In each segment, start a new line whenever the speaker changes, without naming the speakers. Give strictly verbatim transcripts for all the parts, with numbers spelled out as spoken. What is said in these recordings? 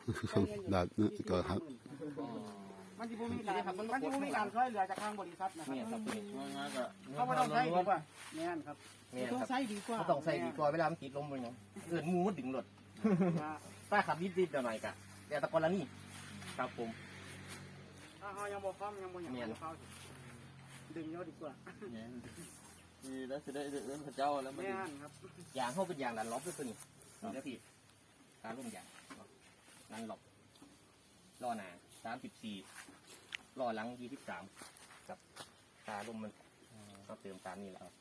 ดาดนี่ก็ครับ
มันจะมีการมันจะมีการช่วยเหลือจากทางบริษัทนะครับเนี่ยครับเขาไม่ต้องใช้ดีกว่าเนี่ยครับต้องใช้ดีกว่า
ต้องใช้ดีกว่าเวลามันติดลมเลยเนาะเกิดมูดดึงหลดป้าขับดิดๆหน่อยกะแต่ตะกอนละนี่ครับผม
ถ้าเขายังบอกฟ้องยังบอกอย่างนี้เขาดึงเยอะดีกว่า
นี่แล้วจะได้เอื้อนพระเจ้าแล้วมัน
ครับ
ยางเข้าเป็นยางดันล็อกด้วยตัวนี้นี่แล้วพี่การร่มยางดันล็อกล้อหนาสามสิบสี่ล้อหลังยี่สิบสามกับตาลมมันก็เติมตามนี่แหละ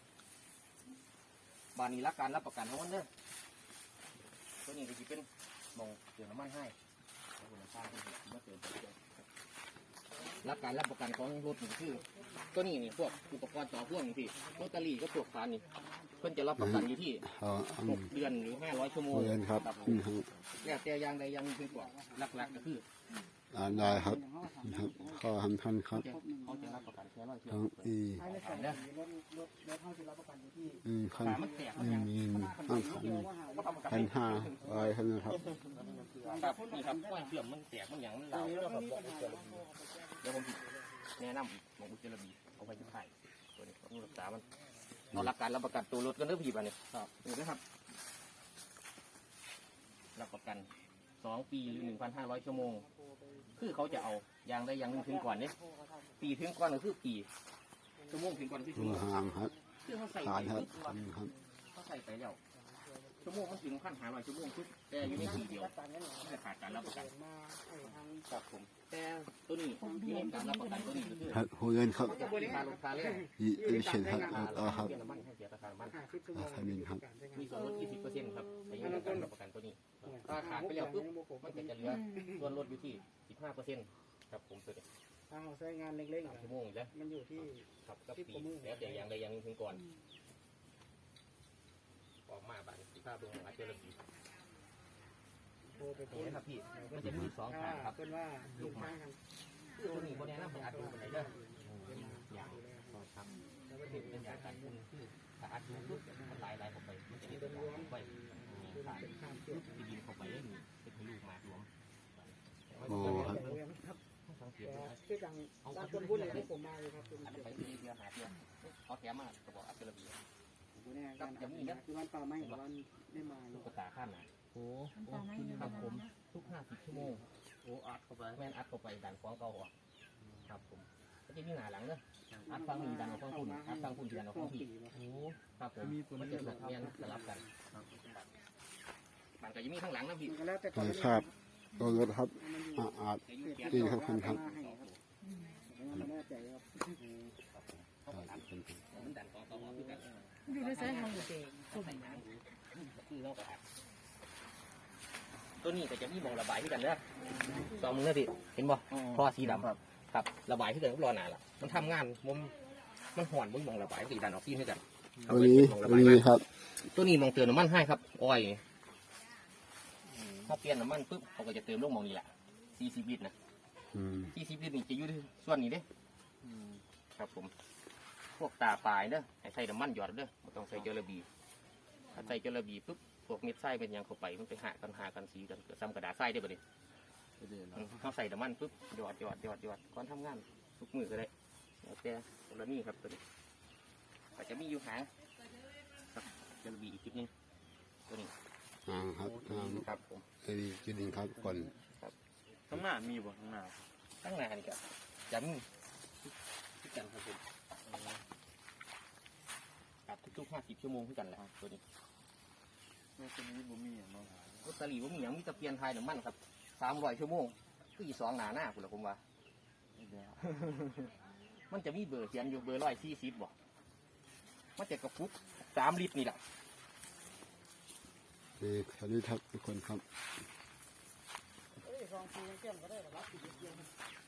บานนี้รับการรับประกันทั้งวันเด้อตัวนี้ก็จะเป็นมองเติมน้ำมันให้คุณภาพที่เมื่อเติมไปรับการรับประกันของรถนี่คือตัวนี้นี่พวกอุปกรณ์ต่อพ่วงพี่โรตารี่ก็พวกฟานนี่เพิ่นจะรับประกันอยู่ที่หกเดือนหรือห้าร้อยชั่วโมง
ครับ
แล้วแต่อย่างใดอย่างหนึ่งคือกว่าหลักๆก็คือ
อ่าได้ครับครับข้อทำท่านครับ
เขาจะรับประกันแค่ร้อยชั่วโม
ทั้ง
ง
อีอืมพันอืมมีพันพันห้าร้อยพันนะครับ
ครับนี่ครับก้อนเสื่อมมันแตกมันหยังมันเหลาเดี๋ยวผมแนะนำของอุจจาระบีเอาไปที่ไข่ตัวนี้ต้องรักษามันเรารับการรับประกันตัวรถกันเรื่องผีบ้านนี่ครับนี่นะครับรับประกันสองปีหรือหนึ่งพันห้าร้อยชั่วโมงคือเขาจะเอายางได้ยางนึงถึงก่อนเนี่ยปีถึงก่อนก็คือปีชั่วโมงถึงก่อนคือชั่วโมง
ห่างครับ
คือเขาใส่ไปเขาใส่ไปแล้วชั่วโมงมันถึงพันห้าร้อยชั่วโมงคือแต่อยู่ในปีเดียวไม่ขาดการรับประกันครับผมแต่ตัวนี้ที่ให้การรับประกันตัวนี้ก็คือ
ครับหัวเงินครับ
ค่ารถค่าแรง
ยี่สิบครับต่อครับ
น้ำมันให้เสียราคาน้ำมัน
ทามินครับ
มีส่วนลดยี่สิบเปอร์เซ็นต์ครับในการรับประกันตัวนี้ถ้าขาดไปแล้วปุ๊บมันก็จะเหลือส่วนลดอยู่ที่สิบห้าเปอร์เซ็นต์ครับผมตัวนี้
ถ้าเราใช้งานเล็กๆ
ชั่วโมงแล้ว
มันอยู่ที่
ครับกับปีแล้วแต่อย่างใดอย่างหนึ่งถึงก่อนออกมาบ้านสิบห้าเบื้องอาจจะระบีนี่นะครับพี่มันจะมีสองขาครับ
เป็นว่า
ลูกไม้คือตัวนี้โบแดงน้ำมันอัดดูไปไหนเด้ออย่างครับแล้วก็เห็นเป็นอย่างการคุณคือถ้าอัดดูปุ๊บมันลายลายออกไปมันจะมีตัวรวมไปขาดที่ดินเข้าไปได้มีเป็นลูกมารวม
โอ้
ครับคือดังด้านคนพูดเลยที่ผมมาเลยครับ
อันนี้ไปที่เดียวหาเดียวเขาแถมมากระบอกอัดระบี
กับจะมีนะคือวันป่าไม้วันได้มา
ลูกกระตาข้ามนะโอ้ครับผมทุกห้าสิบชั่วโมงโอ้อัดเข้าไปแม่นอัดเข้าไปดันฟ้องเก่าอ่ะครับผมก็จะมีหน้าหลังเนอะอัดฟังมีดันออกฟังคุณอัดฟังคุณดันออกฟังพี่โอ้ครับผมมันจะสลับเมียนสลับกันมันก็จะมีข้างหลังนะพี่
ครับตัวรถครับอาดดีครับคุณครับ
มันดันฟ้องเก่าอ่ะพี่กัน
อยู่ในสายทางอยู่เอง
คือเราก็อัดตัวนี้ก็จะมีมองระบายที่กันเนอะสองมือนะพี่เห็นบ่ท่อสีดำครับระบายที่กันก็รอหนาละมันทำงานมันมันห่อนมันมองระบายสีดันออกซีให้กัน
ตัวนี้ตัวนี้ครับ
ตัวนี้มองเติมน้ำมันให้ครับอ้อยถ้าเปลี่ยนน้ำมันปุ๊บเขาก็จะเติมลงมองนี้แหละสี่สิบลิตรนะสี่สิบลิตรนี่จะอยู่ที่ส่วนนี้เด้ครับผมพวกตาปลายเด้อให้ใส่น้ำมันหยอดเด้อไม่ต้องใส่เจลาบีถ้าใส่เจลาบีปุ๊บพวกเม็ดไส้เป็นยังเข้าไปมันไปหากันหากันสีกันเกิดซ้ำกระดาษไส้ได้บ่ดิเขาใส่น้ำมันปุ๊บหยอดหยอดหยอดหยอดก่อนทำงานทุกมือก็ได้แล้วแต่ตัวนี้ครับตัวนี้อาจจะมีอยู่หางครับเจลาบีอีกจุดนึงตัวนี้
อ่าครับ
ครับผม
ตัวนี้จุดนึงครับก่อน
ครับ
ข้างหน้ามีบ่ข้างหน้า
ข้างหน้านี่ครับจะมีที่กันครับผมครับทุกๆห้าสิบชั่วโมงที่กันแหละตัวนี้
ตัวนี้บ่มีอย่างเนาะ
รถตะลีบ่มีอย่างมีตะเพียนไทยน้ำมันครับสามร้อยชั่วโมงคืออีสองหนาหน้าคุณละผมว่ามันจะมีเบอร์เขียนอยู่เบอร์ร้อยสี่สิบบ่มันจะกระปุกสามลิตรนี่แหละ
นี่สวัสดีครับทุกคนครับ
สองปีเกี่ยมก็ได้รับอีกเดียว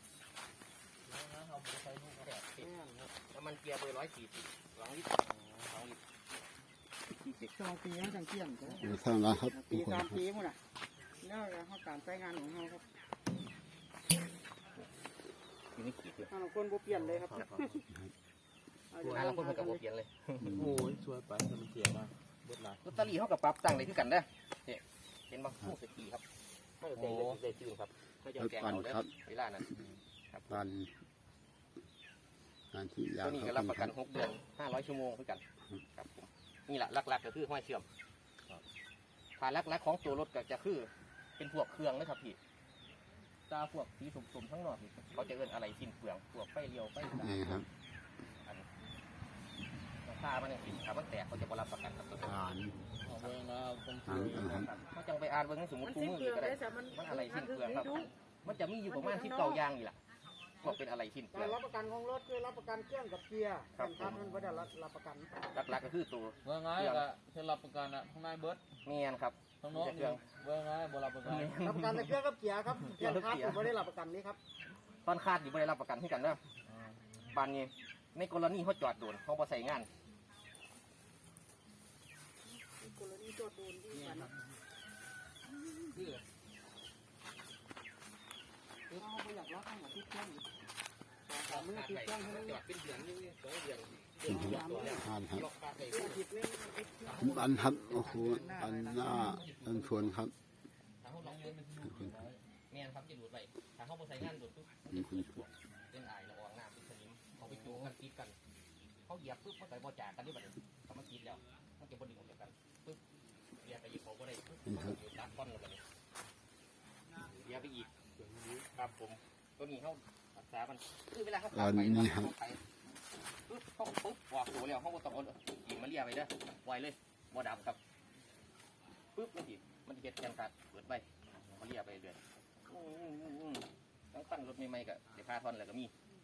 น้ำมันเกียร์เบอร์ร้อยสี่สิบสองลิตรสองลิตร
สองปีแล้วสังเกตก็
ได้สร้างร้านครับ
ปีสามปีหมดอ่ะแล้วเขาการใช้งานของเขาครับเราคนบ่เปลี่ยนเลยครับ
เราคนกับบ่เปลี่ยนเลย
โอ้ยช่วยไปมันเสียมากรถลาย
รถตะลีเขากับปรับตั้งเลยคือกันได้เห็นบ้างผู้สกีครับเมื่อเสียเสียจืดครับเขาจะ
รถ
แกง
ปั่น
เอาเด้
ครับ
เวลานั้น
ปั่นงานที่ยา
ตัว
ว
นี้
ค
ก็
รั
รับบ ประกันหกเดือนห้าร้อยชั่วโมงเพื่อกันครับผมนี่แหละหลักๆก็คือห้อยเชื่อมผ่านหลักๆของตัวรถก็จะคือเป็นพวกเครื่องนะครับพี่ตาพวกสีสมๆทั้งนอกนี่เขาจะเอิ้นอะไรสิ้นเปลืองพวกไฟเลี้ยวไฟ
นี่ครับ
ราคามันเนี่ยถ้ามันแตกเขาจะบ่รับประกันครับตัวนี้
อ่าน
เอาเบิ่งแล้วผม
อ่านอ่านครับ
เขาจังไปอ่านเบิ่งในสมุด
มัน
คู่
สิ้น
มือ
เปลือง
ก็ได้
ได้แต่มัน
มันอะไรสิ้นเปลืองครับ
ดู
มันจะมีอยู่ประมาณสิบเก้าอย่างนี่แหละว่าเป็นอะไรสิ้นเปลื
กา
อ
รง รับประกันของรถคือรับประกันเครื่องกับเกียร์
ครับ
คันมันไม่ได้รับประกัน
หลักๆก็คือตัว
เบิ่งง่ายก็เฮ็ดรับประกันอ่ะข้างในเบิด
เมียนครับ
ข้างนอกนี่เบิ่งง่ายบ่รับประกัน
รับประกันในเครื่องกับเกียร์ครับเครื่องคัดผมไม่ได้รับประกันนี้ครับ
ตอนคาดอยู่ไม่ได้รับประกันที่กันเนอะบานนี้ในกรณีเขาจอดโดนเขาบ่ใส่งาน
กรณีโจทย์โดนที่กันเอาไปอยากรับให้หมดที่เครื่องสามมือที่เครื่องให้มัน
จอดเป็นเดือนนึงสองเดือน
อ่านครับ
ล็อกคาดเลย
ผิดเลย
ปั่นครับโอ้โหปั่นหน้าปั่นชวนครับ
ถ้าเขาลองเดินเป็นเมียนครับจะดูดไปถ้าเขาบ่ใส่งานดูดปุ๊บ
นี่คุณ
เป็นไอละอองน้ำเป็นสนิมเขาไปจูงกันติดกันเขาเหยียบปุ๊บเขาใส่บ่จ่ากันนี่บัดนี้เขามาติดแล้วเขาจะบ่ดึงออกจากกันปุ๊บเหยียบไปอีกเขาบ่ได้ปุ๊บตัดก้อนลงไปเลยเหยียบไปอีกครับผมตัวนี้เขารักษามันคือเวลาเขา
อันนี้ครับ
ปุ๊บเขาปุ๊บวางตัวแล้วเขาก็ต้องเอาหินมาเลียไปเด้อไวเลยบ่ดับครับปุ๊บมันสิมันสิเฮ็ดแกนขาดเปิดไปเขาเลียไปเรื่อยอืมทั้งตั้งรถใหม่ๆก็เดี๋ยวพาทอนแล้วก็มี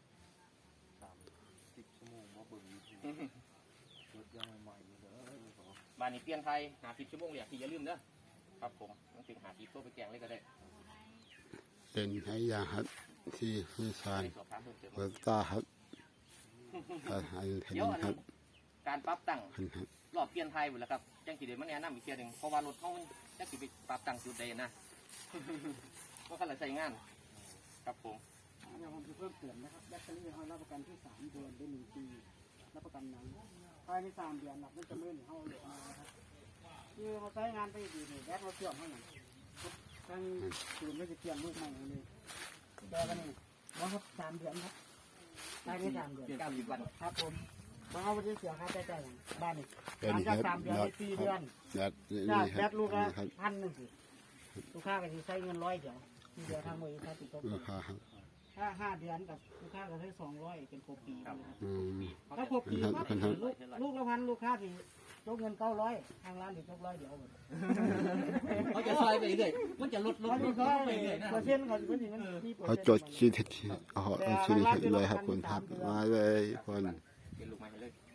สิบชั่วโมงบ่เบิ่งอยู่รถยังใหม่ๆอยู่เด้อ
บ้านนี้เปลี่ยนไทยหาสิบชั่วโมงเลยที่อย่าลืมเด้อครับผมต้องถึงหาสิบตัวไปแกงเลยก็ได้
เป็นให้ยาครับที่ผู้ชาย
ไปสอบถามเพิ่มเติม
เปิดตาครับอ่านให้เห็น
เดี๋ยวอัน
ครับ
การปรับตั้ง
เห็นครับ
รอบเปลี่ยนไทยหมดแล้วครับจังสีเดมันแนะนำอีกเทียหนึ่งเพราะว่ารถเขามันจังสีไปปรับตั้งจุดใดนะ ว่าเขาเลยใช้งานครับผม
เดี๋ยวผมจะเพิ่มเติมนะครับแบตเตอรี่เขารับประกันที่สามเดือนได้หนึ่งปีรับประกันหนังภายในสามเดือนหลับไม่จะเลื่อนเขาเหลือมานะครับคือเขาใช้งานไปดีเลยแบตเขาเสื่อมเขาอย่างทางศูนย์ไม่จะเปลี่ยนลูกใหม่เลยแบตกันนี่ว่าครับสามเดือนครับภายในสามเดือน
เก้าสิบวัน
ครับผมเพราะเขาไม่ได้เสียค่าใช้จ่ายอย่างบ้านนี่
เป็น
หลัง
ค
จา
รั
ก
บ
สามเดือน
ยอ
ใน
ด
สี่
ค
เดือ
รับ
น
ยอด
จ้า
นี่ค
แบ
รับ
ตลูกละ
นี่ครับ
พันหนึ่งสิลูกค้าก็จะใช้เงินร้อยเดียวที่เดียวทางบริษัทติดต่อ
ราคาครับ
ถ้าห้าเดือนกับลูกค้าก็ใช้สองร้อยเป็นครบปี
ครับ
อืม
ถ้าครบปี
ครับ
ครับ
ครับ
ลูกลูกละพันลูกค้าที่ยกเงินเก้าร้อยทางร้านถึงยกร้อยเดียวหมด
เขาจะซอยไปเรื่อยมันจะลดลด
ร้อย
ล
ที่
ด
เขา
ไปเรื่อยนะ
เปอร์เซ็นต์เขาจะเป็นอย่างนั้นมีเปอร์
เขา
เซ็นต์
จดชีทที่อ๋อเอาชีทให้เลยครับคุณครับมาเลยคน
เป็นลูกไม้ให้เลย